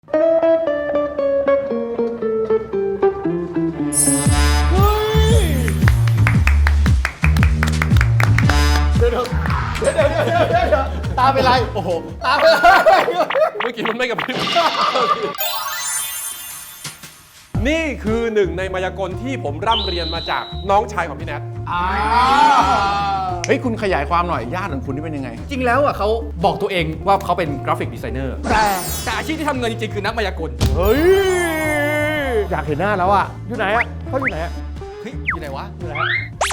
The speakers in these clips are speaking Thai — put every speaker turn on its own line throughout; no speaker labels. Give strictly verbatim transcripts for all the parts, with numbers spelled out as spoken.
เดี๋ยวเดี๋ยวเดี๋ยวเดี๋ยวเดี๋ยวตาเป็นไรโอ้โหตาเป็นไรเมื่อกี้มันไม่กับพริบนี่คือหนึ่งในมายากลที่ผมร่ำเรียนมาจากน้องชายของพี่แนท
เฮ้ยคุณขยายความหน่อยญาติของคุณนี่เป็นยังไง
จริงแล้วอ่ะเขาบอกตัวเองว่าเขาเป็นกราฟิกดีไซเนอร์แต่แต่อาชีพที่ทำเงินจริงๆคือนักมายากล
เฮ้ยอยากเห็นหน้าแล้วอ่ะอยู่ไหนอ่ะเขาอยู่ไหนอ่ะ
เฮ้ยอยู่ไหนวะอยู่ไหน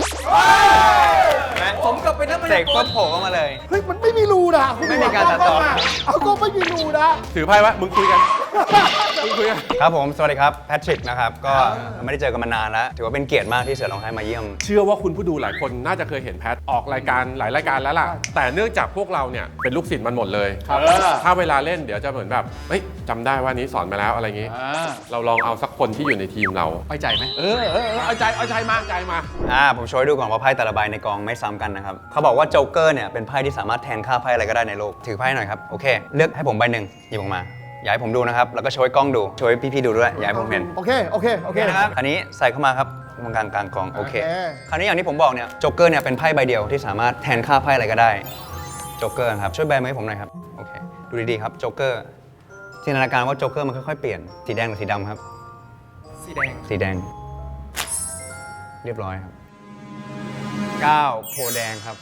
ผมก็เป็นนักมายากลเสกปุ๊บโผล่เข้ามาเลย
เฮ้ยมันไม่มีรูนะคุณ
ไม่มีการตัดต่อ
เอาก็ไม่มีรูนะ
ถือไพ่วะมึงคุยกันมึงคุยกัน
ครับผมสวัสดีครับแพทริกนะครับก็ไม่ได้เจอกันมานานแล้วถือว่าเป็นเกียรติมากที่เสือร้องไห้มาเยี่ยม
เชื่อว่าคุณผู้ดูหลายคนน่าจะเคยเห็นแพทออกรายการหลายรายการแล้วล่ะแต่เนื่องจากพวกเราเนี่ยเป็นลูกศิษย์มันหมดเลยถ้าเวลาเล่นเดี๋ยวจะเหมือนแบบเฮ้ยจำได้ว่านี้สอนมาแล้วอะไรอย่างงี้เราลองเอาสักคนที่อยู่ในทีมเรา
เอาใจไหมเออเออเอาใจเอาใจมา
ใจมา
อ่าผมโชว์ให้ดูก่อนว่าไพ่แต่ละใบในกองไม่ซ้ำกันนะครับเขาบอกว่าโจ๊กเกอร์เนี่ยเป็นไพ่ที่สามารถแทนค่าไพ่อะไรก็ได้ในโลกถือไพ่หน่อยครับโอเคเลือกให้ผมใบหนึ่งหยิบออกมาอยากให้ผมดูนะครับแล้วก็โชว์ให้กล้องดูโชว์ให้พี่ๆดูด้วยอยากให้ผมเห็น
โอเคโอเคโอเค
นะครับอันนี้ใส่เข้ามาครับตรงกลางกลางกองโอเคคราวนี้อย่างที่ผมบอกเนี่ยโจ๊กเกอร์เนี่ยเป็นไพ่ใบเดียวที่สามารถแทนค่าไพ่อะไรก็ได้โจ๊กเกอร์ครับช่วยแบมือให้ผมหน่อยครับโอเคดูดีๆครับโจ๊กเกอร์จินตนาการว่าโจ๊กเกอร์มันค่อยๆเปลี่ยนสีแดงหรือสีดำครับ
สีแดง
สีแดงเรียบร้อยครับเก้าโพแดงครับ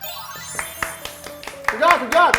สุดยอดสุดยอด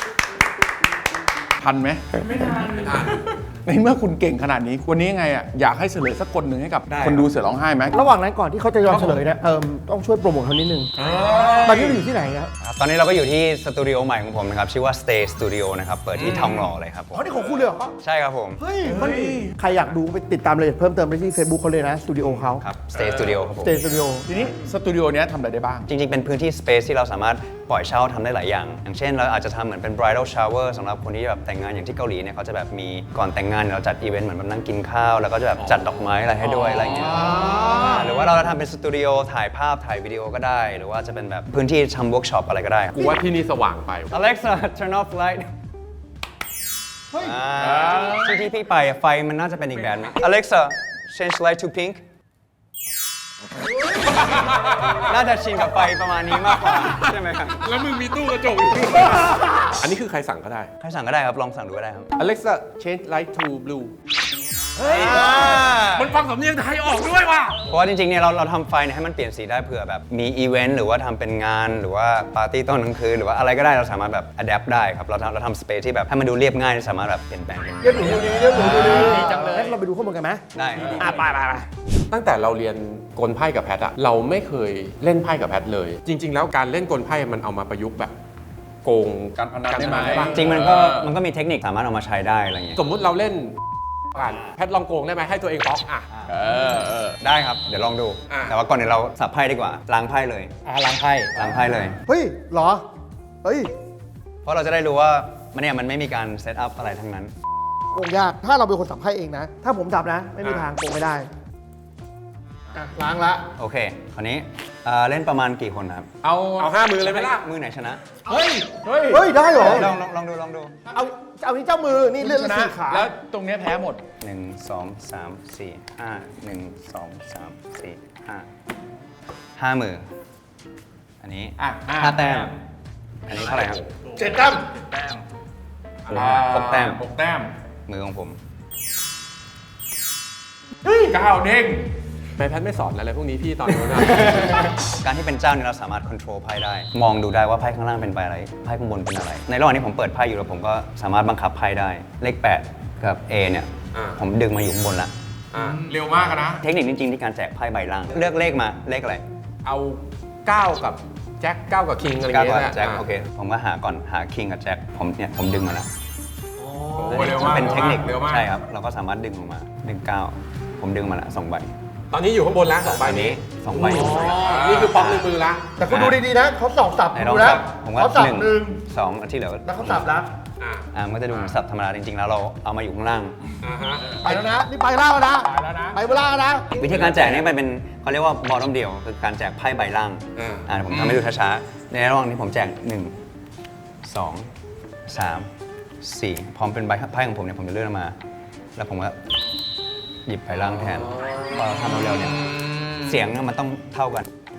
ทันไหมไม่ทันไม่ทันในเมื่อคุณเก่งขนาดนี้วันนี้ยังไงอ่ะอยากให้เฉลยสักคนหนึ่งให้กับคนดูเสือร้องไห้ไหม
ระหว่างนั้นก่อนที่เขาจะยอมเฉลยเนี่ยเออต้องช่วยโปรโมทเขานิดนึงตอนนี้เราอยู่ที่ไหนครับ
ตอนนี้เราก็อยู่ที่สตูดิโอใหม่ของผมนะครับชื่อว่า Stay Studio นะครับเปิดที่ทองหล่อเลยครับผม
อ๋อนี่ของคุณเลยเหรอ
ใช่ครับผม
เฮ้ยมันใครอยากดูไปติดตามเลยเพิ่มเติมได้ที่ Facebook เขาเลยนะสตูดิโอเขา
ครับ Stay Studio ครับผม
Stay Studio
ทีนี้สตูดิโอเนี้ยทำอะไรได้บ้าง
จริงๆเป็นพื้นที่ Space ที่เราสามารถปล่อยเช่าทำได้หลายอย่างอย่างเช่นเราอาจจะทำเหมือนเป็น bridal shower สำหรับคนที่แบบแต่งงานอย่างที่เกาหลีเนี่ยเขาจะแบบมีก่อนแต่งงานเราจัดอีเวนต์เหมือนแบบนั่งกินข้าวแล้วก็จะแบบจัดดอกไม้อะไรให้ด้วยอะไรเงี้ยหรือว่าเราจะทำเป็นสตูดิโอถ่ายภาพถ่ายวิดีโอก็ได้หรือว่าจะเป็นแบบพื้นที่ทำเวิร์กช็อปอะไรก็ได้
กูว่าที่นี่สว่างไป
Alexa turn off light เฮ้ยที่ที่พี่ไปไฟมันน่าจะเป็นอีกแบบนึง Alexa change light to pink น่าจะชินกับไฟประมาณนี้มากกว่าใช่ไหมครับ
แล้วมึงมีตู้กระจกอยู่อันนี้คือใครสั่งก็ได้
ใครสั่งก็ได้ครับลองสั่งดูก็ได้ครับ
Alexa change light to blue เฮ้ยมันฟังสำเนียงไทยออกด้วยว่ะ
เพราะว่าจริงๆเนี่ยเราเราทำไฟเนี่ยให้มันเปลี่ยนสีได้เผื่อแบบมีอีเวนต์หรือว่าทำเป็นงานหรือว่าปาร์ตี้ตอนกลางคืนหรือว่าอะไรก็ได้เราสามารถแบบอัดแอปได้ครับเราทำเราทำสเปซที่แบบให้มันดูเรียบง่ายสามารถแบบเปลี่ยนแปลง
เรียบหรูดีเรียบหรูดีจังเลยเราไปดูข้อมูลกันไหม
ได้
อ่ะไปไปไป
ตั้งแต่เราเรียนกลไพ่กับแพทอะเราไม่เคยเล่นไพ่กับแพทเลยจริงๆแล้วการเล่นกลไพ่มันเอามาประยุกต์แบบโกง
การพนันได้ไหม
จริงมันก็มันก็มีเทคนิคสามารถเอามาใช้ได้อะไรเงี้ย
สมมุติเราเล่นกันแพทลองโกงได้ไหมให้ตัวเองบล็อกอ่ะ
เออเออได้ครับเดี๋ยวลองดูแต่ว่าก่อนเดี๋ยวเราสับไพ่ดีกว่าล้างไพ่เลย
อ่ะล้างไพ่
ล้างไพ่เลย
เฮ้ยเหรอเฮ้ย
เพราะเราจะได้รู้ว่ามันเนี่ยมันไม่มีการเซตอัพอะไรทั้งนั้น
โกงยากถ้าเราเป็นคนสับไพ่เองนะถ้าผมจับนะไม่มีทางโกงไม่ได้ล้างละ
โอเคคราวนี้เล่นประมาณกี่คนครับ
เอาเอาห้ามือเลยไหมล่ะ
มือไหนชนะ
เฮ้ย
เฮ้ยเฮ้ยได้เหรอ
ลองลองลองดูลองดู
เอาเอานี้เจ้ามือนี่เลื่อนสี่ขา
แล้วตรงนี้แพ้หมด
หนึ่งสองสามสี่ห้าหนึ่งสองสามสี่ห้าห้ามืออันนี้
อ่ะ
ห้าแต้มอันนี้เท่าไหร่ครับ
เจ็ดแต้ม
แต้มหกแต้ม
หกแต้ม
มือของผม
เฮ้ยเก้าเด้ง
แม่แพทไม่สอนอะไรพวกนี้พี่ตอนนู้นนะ
การที่เป็นเจ้าเนี่ยเราสามารถควบคุมไพ่ได้มองดูได้ว่าไพ่ข้างล่างเป็นใบอะไรไพ่ข้างบนเป็นอะไรในระหว่างที่ผมเปิดไพ่อยู่แล้วผมก็สามารถบังคับไพ่ได้เลขแปดกับ A เนี่ยผมดึงมาอยู่ข้างบนละ
เร็วมากนะ
เทคนิคจริงๆที่การแจกไพ่ใบล่างเลือกเลขมาเลขอะไร
เอาเก้ากับแจ็คเก้ากับคิงอะไรเงี้ย
แจ็คโอเคผมก็หาก่อนหาคิงกับแจ็คผมเนี่ยผมดึงมาแล้ว
เป็น
เทคนิคใช่ครับเราก็สามารถดึงออกมาดึงเก้าผมดึงมาละสองใบ
ตอนนี้อยู่ข้างบนแล้วสองใบนี้
สองใบ
นี่คือป๊อกในมือละ
แต่คุณดูดีๆนะเขาสองสับดูนะเขาสับหนึ่ง
สองที่เหลือ
แล้วเขาสับแล้ว
อ่ามันก็จะดูเหมือนสับธรรมดาจริงๆแล้วเราเอามาอยู่ข้างล่าง
ไปแล้วนะนี่ไปล่างแล้วนะไปล่างแล้วนะ
วิธีการแจกนี่มันเป็นเขาเรียกว่าบอลล์เดียวคือการแจกไพ่ใบล่างอ่าผมทำให้ดูช้าๆในระหว่างที่ผมแจกหนึ่งสองสามสี่พร้อมเป็นใบไพ่ของผมเนี่ยผมจะเลื่อนมา แล้วผมก็หยิบไปล่างแทนพอเราทำเร็วๆเนี่ยเสียงมันต้องเท่ากัน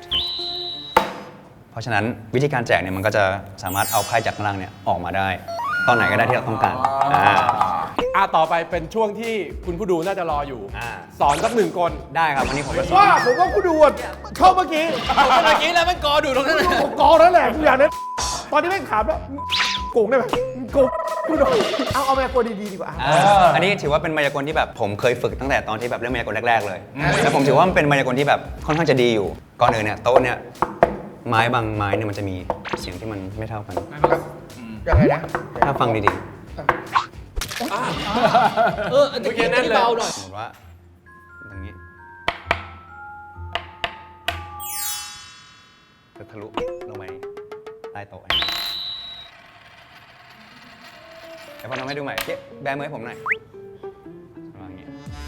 เพราะฉะนั้นวิธีการแจกเนี่ยมันก็จะสามารถเอาไพ่จากข้างล่างเนี่ยออกมาได้ ตอนไหนก็ได้ที่เราต้องการอ่า
อ่ะต่อไปเป็นช่วงที่คุณผู้ดูน่าจะรออยู่
อ่า
สอนสักหนึ่งคน
ได้ครับวันนี้ผมจะสอน
ว่าผมว่ากูดูอ่ะเข้าเมื่อกี้
เมื่อกี้แล้วมันกอดูตรงนั้น
ผมกอนั่นแหละทุกอย่างนั้นตอนนี้แม่งถามแล้วโกงได้ไหมโกงกูโดนเอาเอาแม่กลัวดีๆดีกว่า
อ่าอันนี้ถือว่าเป็นมายากลที่แบบผมเคยฝึกตั้งแต่ตอนที่แบบเล่นมายากลแรกๆเลยแล้วผมถือว่ามันเป็นมายากลที่แบบค่อนข้างจะดีอยู่ก่อนอื่นเนี่ยโต๊ะเนี่ยไม้บางไม้เนี่ยมันจะมีเสียงที่มันไม่เท่ากัน
ยังไงนะ
ถ้าฟังดี
เอออันนี้เบาหน่อย
ๆสมมติว่าตรงนี้จะทะลุลงไปใต้โต๊ะอันนี้เดี๋ยวพอน้องให้ดูใหม่เจ๊แบมือให้ผมหน่อยประมาณนี้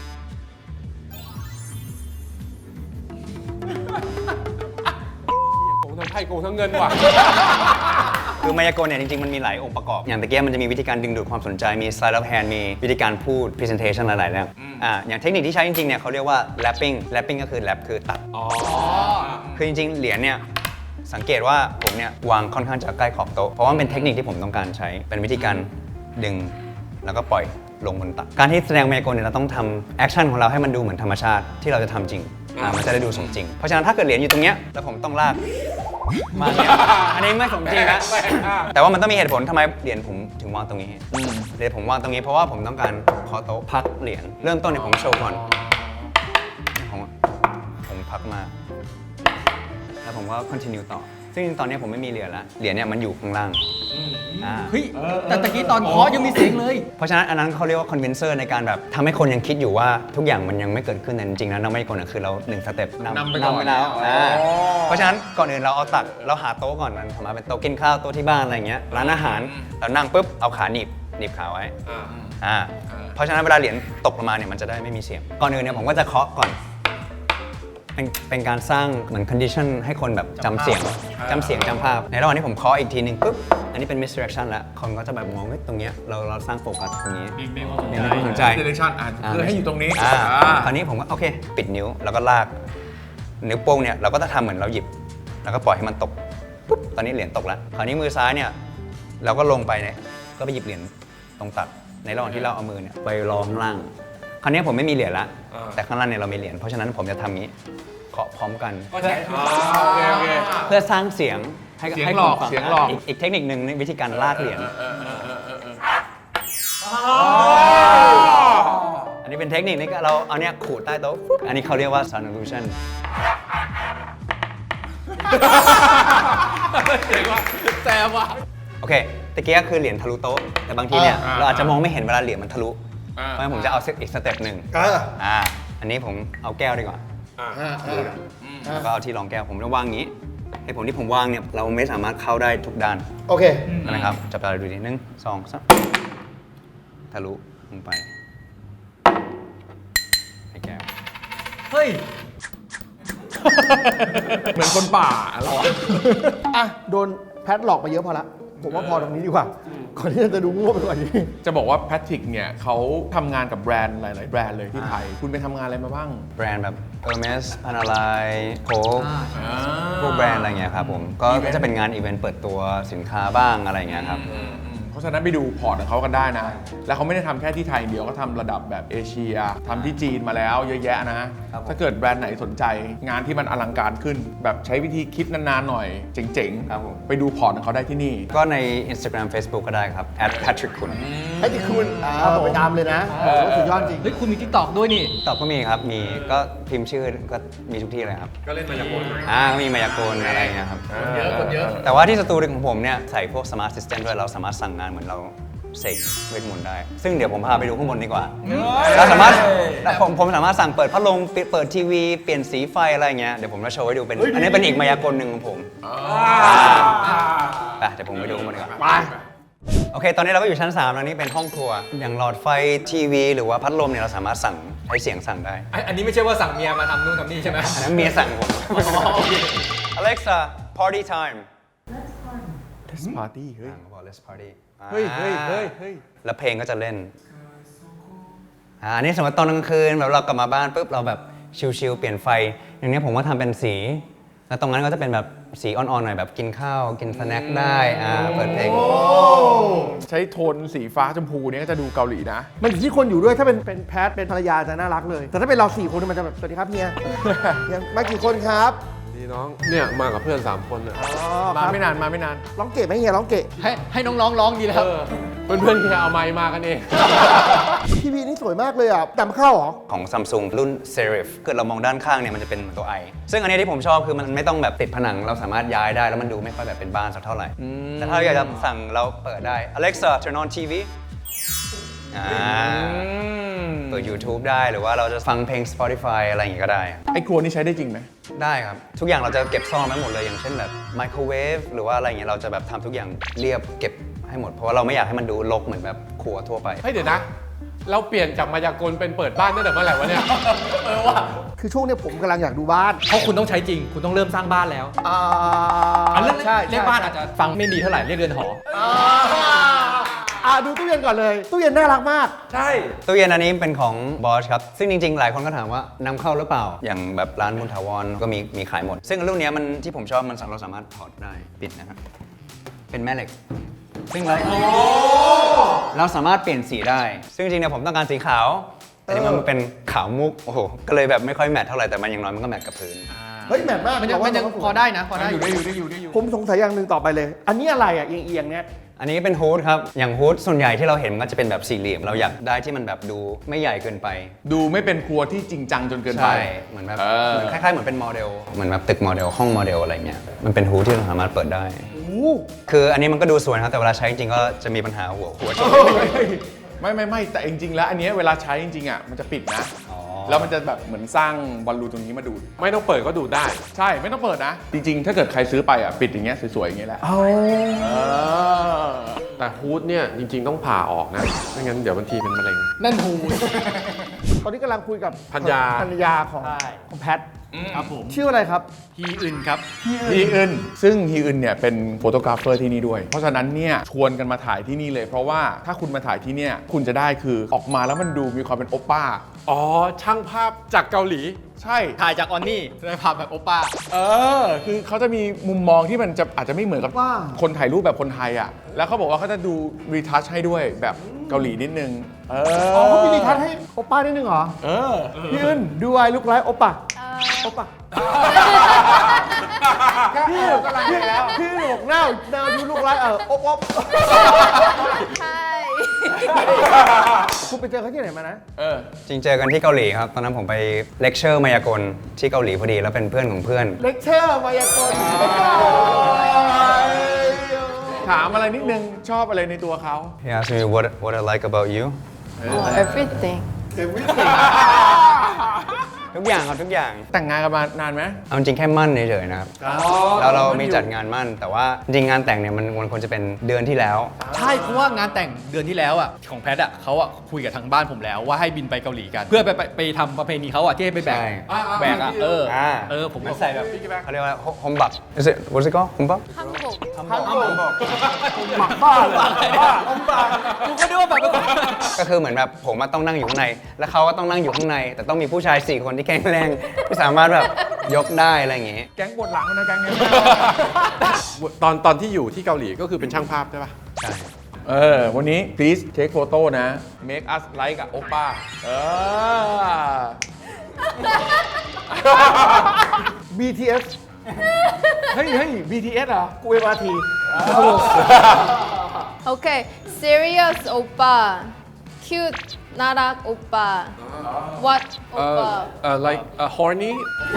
โกงทั้งไพ่โกงทั้งเงินว่ะ
คือมายากลเนี่ยจริงๆมันมีหลายองค์ประกอบ อย่างตะเกียบมันจะมีวิธีการดึงดูดความสนใจมี sleight of hand มีวิธีการพูด presentation หลายๆเรื่องอ่าอย่างเทคนิคที่ใช้จริงๆเนี่ยเขาเรียกว่า lapping lapping ก็คือ lap คือตัด
อ๋อ
คือจริงๆ เหรียญเนี่ยสังเกตว่าผมเนี่ยวางค่อนข้างจะใกล้ขอบโต๊ะ เพราะว่ามันเป็นเทคนิคที่ผมต้องการใช้ เป็นวิธีการดึงแล้วก็ปล่อยลงบนตัก การที่แสดงมายากลเนี่ยเราต้องทำแอคชั่นของเราให้มันดูเหมือนธรรมชาติที่เราจะทำจริงอ่ามันจะได้ดูสมจริง เพราะฉะนั้นถ้าเกิดเหรียญอยู่ตรงเนี้ยแล้วผมต้องลากมาเนี่ยอันนี้ไม่สมจริงนะ แต่ว่ามันต้องมีเหตุผลทำไมเหรียญผมถึงวางตรงนี้เหรียญผมวางตรงนี้เพราะว่าผมต้องการขอโต๊ะพักเหรียญเริ่มต้นเนี่ยผมโชว์ก่อนผมผมพักมาแล้วผมก็ continue ต่อซึ่งตอนนี้ผมไม่มีเหรียญละเหรียญเนี่ยมันอยู่ข้างล่างอ่า
เฮ้ยแต่ตะกี้ตอนเคาะยังมีเสียงเลย
เพราะฉะนั้นอันนั้นเขาเรียกว่า convincer ในการแบบทำให้คนยังคิดอยู่ว่าทุกอย่างมันยังไม่เกิดขึ้นแต่จริงๆแล้วเราไม่กลคือเราหนึ่งสเต็ปนำ
นำไปก่อน
นำไปแล้วอ่าเพราะฉะนั้นก่อนอื่นเราเอาตักเราหาโต๊ะก่อนมันสามารถเป็นโต๊ะกินข้าวโต๊ะที่บ้านอะไรเงี้ยร้านอาหารเรานั่งปุ๊บเอาขาหนีบหนีบขาไว้อ่าเพราะฉะนั้นเวลาเหรียญตกลงมาเนี่ยมันจะได้ไม่มีเสียงก่อนอื่นเนี่ยผมก็จะเคาะก่อนเป็นเป็นการสร้างเหมือน condition ให้คนแบบจำเสียงจำเสียงจำภาพในระหว่างที่ผมเคาะอีกทีหนึ่งปุ๊บอันนี้เป็น misdirection แล้วคนก็จะแบบมองว่าตรงเนี้ยเราเราสร้างโฟกัสตรงนี้
มีมี
มีความสนใจ
direction อ่ะคือให้อยู่ตรงนี้
อ่า
อ่า
คราวนี้ผมก็โอเค ปิดนิ้วแล้วก็ลากนิ้วโป้งเนี่ยเราก็จะทำเหมือนเราหยิบ แล้วก็ปล่อยให้มันตกปุ๊บตอนนี้เหรียญตกแล้วคราวนี้มือซ้ายเนี่ยเราก็ลงไปเนี่ยก็ไปหยิบเหรียญตรงตักในระหว่างที่เราเอามือเนี่ยไปรองข้างล่างคราวนี้ผมไม่มีเหรียญละแต่ข้างล่างเนี่ยเรามีเหรียญเพราะฉะนั้นผมจะทำนี้เคาะพร้อมกัน
ก็ใช้อ๋อโอเคโอเค
เพื่อสร้างเสียงให้
เสียง
ให้
หลอก
คนฟั
เสียงหลอก
กอีกเทคนิคหนึ่งในวิธีการลากเหรียญอันนี้เป็นเทคนิคนี้เราเอาเนี่ยขูดใต้โต๊ะปุ๊บอันนี้เขาเรียกว่า sound illusion
เจ๋งว่ะแซมว่ะ
โอเคตะเกียคือเหรียญทะลุโต๊ะแต่บางทีเนี่ย
อ่า
เราอาจจะมองไม่เห็นเวลาเหรียญมันทะลุ
อ่า
เพราะฉะนั้นผมจะเอาอีกสเต็ปหนึ่ง
เออ
อ่าอันนี้ผมเอาแก้วดีกว่า
อ่า
อ่าอ่า
แล้วก็เอาที่รองแก้วผมจะวางอย่างนี้ให้ผมที่ผมวางเนี่ยเราไม่สามารถเข้าได้ทุกด้าน
โอเค
นะครับจับตาดูดิหนึ่งสองสามทะลุลงไปให้แก้ว
เฮ้ย
เหมือนคนป่าเรา
อ่ะโดนแพทหลอกไปเยอะพอละผมว่าพอตรงนี้ดีกว่า ก่อนที่จะดูโง่ไปกว่านี้
จะบอกว่าแพทริกเนี่ยเขาทำงานกับแบรนด์หลาย ๆ แบรนด์เลยที่ไทย คุณไปทำงานอะไรมาบ้าง
แบรนด์แบบ Hermes Panerai Coke พวกแบรนด์อะไรเงี้ยครับผมก็ก็จะเป็นงานอีเวนต์เปิดตัวสินค้าบ้างอะไรเงี้ยครับ
เพราะฉะนั้นไปดูพอร์ตของเขากันได้นะ แล้วเขาไม่ได้ทำแค่ที่ไทยอย่างเดียวเขาทำระดับแบบเอเชียทำที่จีนมาแล้วเยอะแยะนะ
ครับผม
ถ้าเกิดแบรนด์ไหนสนใจงานที่มันอลังการขึ้น แบบใช้วิธีคิดนาน ๆ หน่อย เจ๋ง
ครับผม
ๆ ไปดูพอร์ตของเขาได้ที่นี่
ก็ใน Instagram Facebook ก็ได้ครับ at patrick kun
ไอ้ที่คุณอ่าไปตามเลยนะโอ้โหสุดยอดจริง
เฮ้ย คุณมีทิกตอกด้วยนี่
ตอบก็มีครับ มีก็พิมพ์ชื่อก็มีทุกที่เลยครับ
ก็เล่นมายากล
อ่ามีมายากลอะไรเงี้ยครับ
เยอะคนเยอะ
แต่ว่าที่สตูดิโอของผมเนี่ยใส่พวก Smart System ด้วยเราสามารถสั่งงานเหมือนเราเสกเวทมนต์ได้ ซึ่งเดี๋ยวผมพาไปดูข้างบนดีกว่า เราสามารถผมผมสามารถสั่งเปิดพัดลมเปิดทีวีเปลี่ยนสีไฟอะไรเงี้ยเดี๋ยวผมจะโชว์ให้ดูเป็นอันนี้เป็นอีกมายากลหนึ่งของผมอ่ะเดี๋ยวผมไปดูข้างบนดีกว่า
ไป
โอเค ตอนนี้เราก็อยู่ชั้นสามแล้วนี่เป็นห้องครัว อย่างหลอดไฟทีวีหรือว่าพัดลมเนี่ยเราสามารถสั่งให้เสียงสั่งได้
อันนี้ไม่ใช่ว่าสั่งเมียมาทำนู่นทำนี่ใช่ไหม
อันนั้นเมียสั่งผม Alexa party time
Let's party เฮ้ย
อ่าเขาบอก let's party
เฮ้ยเฮ้ยเฮ้ยเฮ้ย
แล้วเพลงก็จะเล่นอ่าอันนี้สมมติตอนกลางคืนแบบเรากลับมาบ้านปุ๊บเราแบบชิลๆเปลี่ยนไฟอย่างนี้ผมก็ทำเป็นสีแล้วตรงนั้นก็จะเป็นแบบสีอ่อนๆหน่อยแบบกินข้าวกินสแน็คได้อ่าเปิดเพลง
ใช้โทนสีฟ้าชมพูเนี่ยก็จะดูเกาหลีนะ
มันอยู่ที่คนอยู่ด้วยถ้าเป็นเป็นแพทเป็นภรรยาจะน่ารักเลย แต่ถ้าเป็นเราสี่คนมันจะแบบสวัสดีครับเฮียเฮียมากี่คนครับ
ดีน้องเนี่ยมากับเพื่อนสามคนน่ะ
อ๋อ
มา
ครับ
ไม่นานมาไม่นาน
ร้องเก๋ไหมเฮียร้องเก๋
ให้ให้น้องๆร้องดีแล้ว
เออเพื่อนๆแค่เอาไมค์มากันเอง
ทีวีนี่สวยมากเลยอ่ะจำเข้าเหรอ
ของ Samsung รุ่น Serif เกิดเรามองด้านข้างเนี่ยมันจะเป็นตัว I ซึ่งอันนี้ที่ผมชอบคือมันไม่ต้องแบบติดผนังเราสามารถย้ายได้แล้วมันดูไม่ค่อยแบบเป็นบ้านสักเท่าไหร่ แต่ถ้าเราอยากจะสั่งเราเปิดได้ Alexa turn on ที วี อ่าเปิด YouTube ได้หรือว่าเราจะฟังเพลง Spotify อะไรอย่างงี้ก็ได้
ไอ้ครัวนี่ใช้ได้จริงไหม
ได้ครับ ทุกอย่างเราจะเก็บซ่อนไว้หมดเลยอย่างเช่นแบบไมโครเวฟหรือว่าอะไรอย่างเงี้ยเราจะแบบทำทุกอย่างเรียบเก็บให้หมด เพราะว่าเราไม่อยากให้มันดูรกเหมือนแบบครัวทั่วไป
เฮ้ยเดี๋ยวนะ เราเปลี่ยนจากมายากลเป็นเปิดบ้านตั้งแต่เมื่อไหร่วะเนี่ย
เออว่ะ
คือช่วงเนี้ยผมกำลังอยากดูบ้าน
เพราะคุณต้องใช้จริง คุณต้องเริ่มสร้างบ้านแล้ว
อ่า
อันเรื่อง
ใช่
เรียกบ้านอาจจะฟังไม่ดีเท่าไหร่เรียกเรือนหอ
อ่าดูตู้เย็นก่อนเลย ตู้เย็นน่ารักมาก
ใช่
ตู้เย็นอันนี้เป็นของบอสครับ ซึ่งจริงๆ หลายคนก็ถามว่านำเข้าหรือเปล่า อย่างแบบร้านมุนทาวอนก็มีมีขายหมด ซึ่งรุ่นเนี้ยมันที่ผมชอบมันเราสามารถถอดได้ปิดนะครับ เป็นแม่เหล็ก ซึ่งเราเราสามารถเปลี่ยนสีได้ ซึ่งจริงๆเนี่ยผมต้องการสีขาว แต่นี่มันเป็นขาวมุก โอ้โห ก็เลยแบบไม่ค่อยแมทเท่าไหร่ แต่มันอย่างน้อยมันก็แมทกับพื้น
เฮ้ยแมทมาก
มันยัง
แต่ว่า
มันยัง
ก็สวย
พอได้นะพอได้
อยู่ได้อยู่ได้อยู่ได้อยู่
ผมสงสัยอย่างหนึ่งต่อไปเลย อันนี้อะไรอ่ะเอียงๆเนี่ย
อันนี้เป็นฮูดครับ อย่างฮูดส่วนใหญ่ที่เราเห็นมันก็จะเป็นแบบสี่เหลี่ยม เราอยากได้ที่มันแบบดูไม่ใหญ่เกินไป
ดูไม่เป็นครัวที่จริงจังจนเกินไป
ใช่ เหมือนแบบ
เออ
เหมือนคล้ายๆ เหมือนเป็นโมเดล เหมือนแบบตึกโมเดล ห้องโมเดลอะไรเงี้ย มันเป็นฮูดที่เราสามารถเปิดได้ คืออันนี้มันก็ดูสวยนะครับ แต่เวลาใช้จริงๆ ก็จะมีปัญหาหัวหัวชน
ไม่ไม่ไม่แต่จริงๆแล้วอันเนี้ยเวลาใช้จริงๆอ่ะมันจะปิดนะ แล้วมันจะแบบเหมือนสร้างบอลลูนตรงนี้มาดูด
ไม่ต้องเปิดก็ดูได้
ใช่ไม่ต้องเปิดนะ จริงๆ ถ้าเกิดใครซื้อไปอ่ะปิดอย่างเงี้ยสวยๆอย่างเงี้ยแหละ
เอา
เออ
แต่ฮูดเนี่ยจริง ๆ ต้องผ่าออกนะ ไม่งั้นเดี๋ยวบางทีเป็นมะเร็ง
นั่นหู
ตอนนี้กำลังคุยกับ
ภรรยา
ภรรยาของ
ใช่
ของแพท
ครับผม
ชื่ออะไรครับ
ฮีอื่นครับ
ฮีอึนซึ่งฮีอึนเนี่ยเป็นโฟโตกราฟเฟอร์ที่นี่ด้วย เพราะฉะนั้นเนี่ยชวนกันมาถ่ายที่นี่เลย เพราะว่าถ้าคุณมาถ่ายที่เนี่ยคุณจะได้คือออกมาแล้วมันดูมีความเป็นโอป้า
อ๋อ ช่างภาพจากเกาหลี
ใช่
ถ่ายจากออนนี่ได้ภาพแบบโอป้า
เออ คือเขาจะมีมุมมองที่มันจะอาจจะไม่เหมือนกับ
ว่า
คนถ่ายรูปแบบคนไทยอ่ะ แล้วเขาบอกว่าเขาจะดูรีทัชให้ด้วยแบบเกาหลีนิดนึง เออ
อ๋อเขามีรีทัชให้โอป้านิดนึงเหรอ
เออ
ยืนดูไอ้ลูกไลฟ์โอป้าโอป้าพี่กำลังพี่แล้วพี่หนกหน้าหน้ายูลูกไลฟ์เออโอบโอบ
ใช่
คุณไปเจอเขาที่ไหนมานะ
เออ
จริงเจอกันที่เกาหลีครับ ตอนนั้นผมไปเลคเชอร์มายากลที่เกาหลีพอดี แล้วเป็นเพื่อนของเพื่อน
เลคเชอร์มายากล
ถามอะไรนิดนึงชอบอะไรในตัวเขา
He asked me what what I like about you
oh, everything
ทุกอย่างครับทุกอย่าง
แต่งงานกันมานานไหม
เอาจริงแค่มั่นเฉยๆนะครับ แล้วเรามีจัดงานมั่น แต่ว่าจริงงานแต่งเนี่ยมันมันควรจะเป็นเดือนที่แล้ว
ใช่เพราะว่างานแต่งเดือนที่แล้วอ่ะของแพทอ่ะเขาอ่ะคุยกับทางบ้านผมแล้วว่าให้บินไปเกาหลีกัน เพื่อไปไปไปทำประเพณีเขาอ่ะที่ให้ไปแบก
ใช่
แบกอ่ะเออ
อ่า
เออผม
มัน
ก็
ใส่แบบเขาเรียกว่าฮอมบัก Is it what's it called ฮอมบัก
한국
หมักบ้าเลยบ้าอมบ้า
กูก็นึกว่าแบบ
ก็คือเหมือนแบบผมอะต้องนั่งอยู่ข้างใน แล้วเขาก็ต้องนั่งอยู่ข้างใน แต่ต้องมีผู้ชายสี่คนที่แข็งแรงที่สามารถแบบยกได้อะไรอย่างงี้
แก๊งปวดหลังนะแก๊งเนี้ย
ตอนตอนที่อยู่ที่เกาหลีก็คือเป็นช่างภาพใช่ปะ
ใช่
เออ วันนี้ please take photo นะ make us like กับโอป้า เออ
บี ที เอส
เฮ้ยเฮ้ย บี ที เอส เหรอ
กูเอ็มอาร์ที
okay serious 오빠 cute 나락 오빠 what 오빠
เอ่อ like uh, horny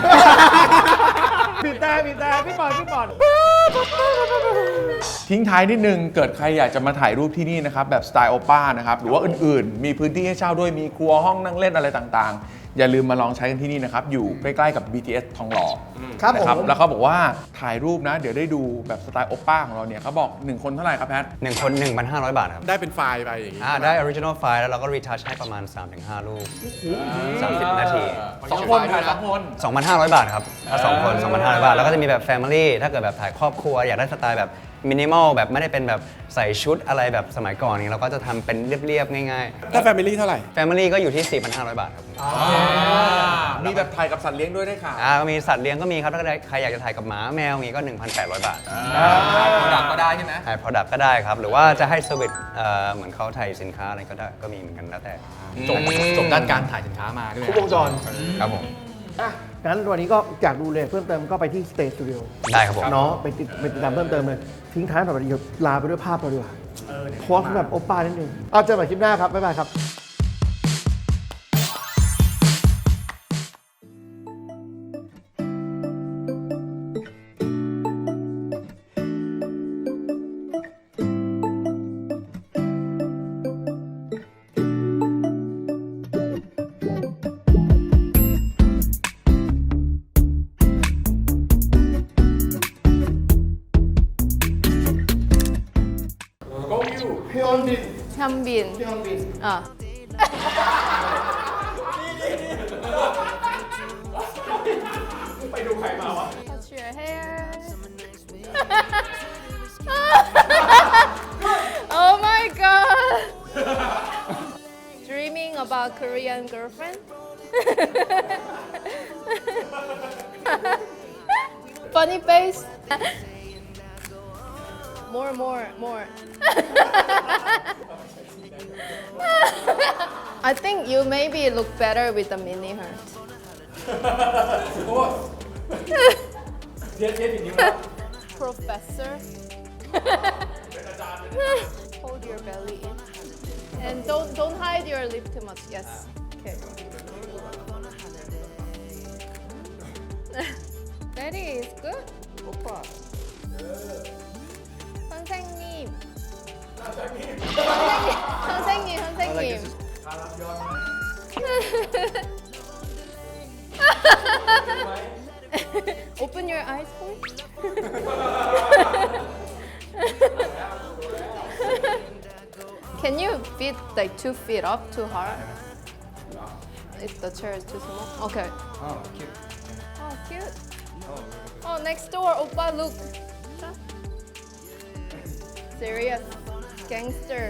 ปิดตาปิดตาพี่บอลพี่บอล
ทิ้งท้ายนิดนึง เกิดใครอยากจะมาถ่ายรูปที่นี่นะครับ แบบสไตล์โอป้านะครับ หรือว่าอื่นๆ มีพื้นที่ให้เช่าด้วย มีครัวห้องนั่งเล่นอะไรต่างๆ อย่าลืมมาลองใช้กันที่นี่นะครับ อยู่ใกล้ๆกับ บี ที เอส ทองหล่อ
ครับ
นะ
ผม
แล้วเขาบอกว่าถ่ายรูปนะ เดี๋ยวได้ดูแบบสไตล์โอป้าของเราเนี่ยเขาบอกหนึ่งคนเท่าไหร่ครับแพท
หนึ่งคน หนึ่งพันห้าร้อย บาทครับ
ได้เป็นไฟล์ไปอย่างงี้
อ่าได้ original file แล้วเราก็ retouch ให้ประมาณ สามถึงห้า รูปสามสิบนาที
สองคนถ่ายสองคน
สองพันห้าร้อย บาทครับ ถ้าสองคน สองพันห้าร้อย บาท แล้วก็จะมีแบบ family ถ้าเกิดแบบถ่ายครอบครัว อยากได้สไตล์แบบมินิมอลแบบไม่ได้เป็นแบบใส่ชุดอะไรแบบสมัยก่อนนี้เราก็จะทำเป็นเรียบๆง่าย
ถ้าแฟมิลี่เท่าไหร่
ๆ Family ก็อยู่ที่ สี่พันห้าร้อย บาทครับ
มีแบบถ่ายกับสัตว์เลี้ยงด้วยได้ค่ะ
อ่ามีสัตว์เลี้ยงก็มีครับถ้าใครอยากจะถ่ายกับหมาแมวอย่างงี้ก็ หนึ่งพันแปดร้อย บาท
โปรดักก็ได้ใช่ไหม
ถ่าย product ก็ได้ครับ หรือว่าจะให้เซอร์วิสเอ่อเหมือนเขาถ่ายสินค้าอะไรก็ได้ก็มีเหมือนกันแล้วแต่
จบจบด้านการถ่ายสินค้ามาด้วย
ครบวงจร
ครับผม
อ่ะงั้นวันนี้ก็อยากดูเลยเพิ่มเติมก็ไปที่ Stay Studio
ได้ครับผม
เนาะไปติดไปติดตามเพิ่มเติมเลย ทิ้งท้ายหน่อยเดี๋ยวลาไปด้วยภาพเราดีกว่าโพสต์แบบโอป้านิดนึงเอาเจอกันใหม่คลิปหน้าครับ บ๊ายบายครับ
현빈. 어. Touch your hair. Oh my god. Dreaming about Korean girlfriend? Funny face. More, more, more. I think you maybe look better with the mini heart. Professor. Hold your belly in. And don't don't hide your lip too much. Yes. Okay. Daddy is good. 선생님. 선생님, 선생님. Open your eyes, please. Can you fit like two feet up too hard? If the chair is too small. Okay.
Oh, cute.
Oh, cute. Oh, next door, oppa, look. Serious. Gangster.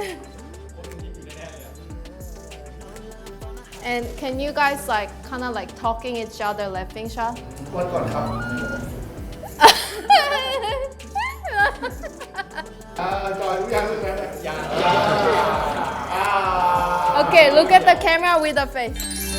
And can you guys like kind of like talking each other, laughing shot?
วันก่อนครับอ่าจอยรู้ยังเรื่องนั้นยัง
Okay, look at the camera with the face.